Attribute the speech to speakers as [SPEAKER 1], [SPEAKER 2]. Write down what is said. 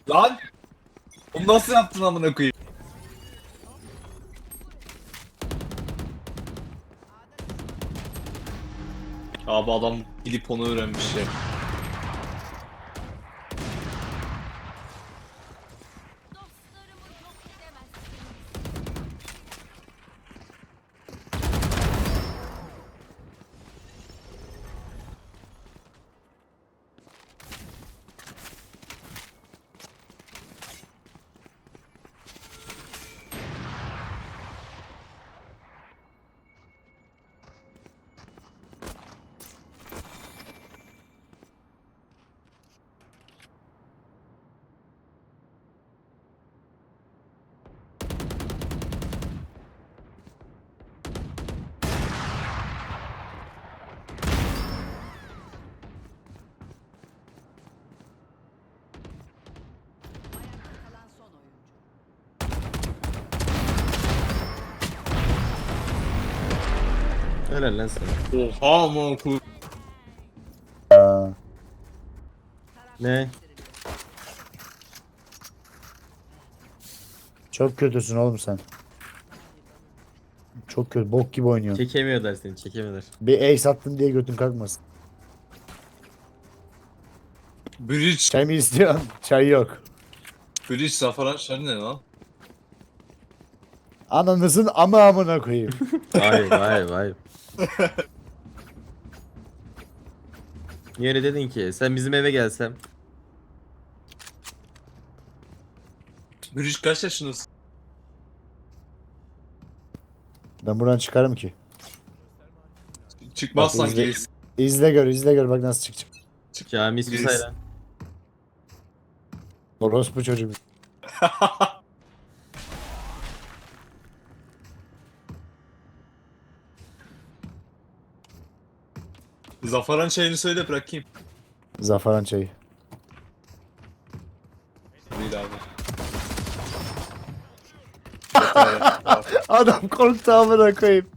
[SPEAKER 1] Lan! Onu nasıl yaptın amına koyayım? Abi adam gidip onu öğrenmiş ya.
[SPEAKER 2] Dostlarımı yok edemezsiniz. Ayakta kalan son oyuncu.
[SPEAKER 3] Helal lan sana.
[SPEAKER 1] Oha amına koyayım.
[SPEAKER 4] Aa,
[SPEAKER 3] Ne?
[SPEAKER 4] çok kötüsün oğlum sen. Çok kötü. Bok gibi oynuyorsun.
[SPEAKER 3] Çekemiyorlar seni, çekemiyorlar.
[SPEAKER 4] Bir ace attın diye götün kalkmasın.
[SPEAKER 1] Bridge.
[SPEAKER 4] Çay mı istiyorsun? Çay yok.
[SPEAKER 1] Bridge zafaran şer ne lan?
[SPEAKER 4] Ananızın amına koyayım.
[SPEAKER 3] Vay vay vay. Niye öyle dedin ki? Sen bizim eve gelsem.
[SPEAKER 1] Bridge kaç yaşındasın?
[SPEAKER 4] Ben buradan çıkarım ki.
[SPEAKER 1] Çıkmazsan
[SPEAKER 4] Bak, izle-
[SPEAKER 1] gelirsin.
[SPEAKER 4] İzle gör, izle gör bak nasıl çıkacak.
[SPEAKER 3] Cami ismi
[SPEAKER 1] Gerisi.
[SPEAKER 3] sayla.
[SPEAKER 4] Orospu çocuk.
[SPEAKER 1] Zafaran çayını söyle bırakayım.
[SPEAKER 4] Zafaran çayı.
[SPEAKER 1] Değil abi. Yeter ya.
[SPEAKER 4] Adam korktu amına koyayım.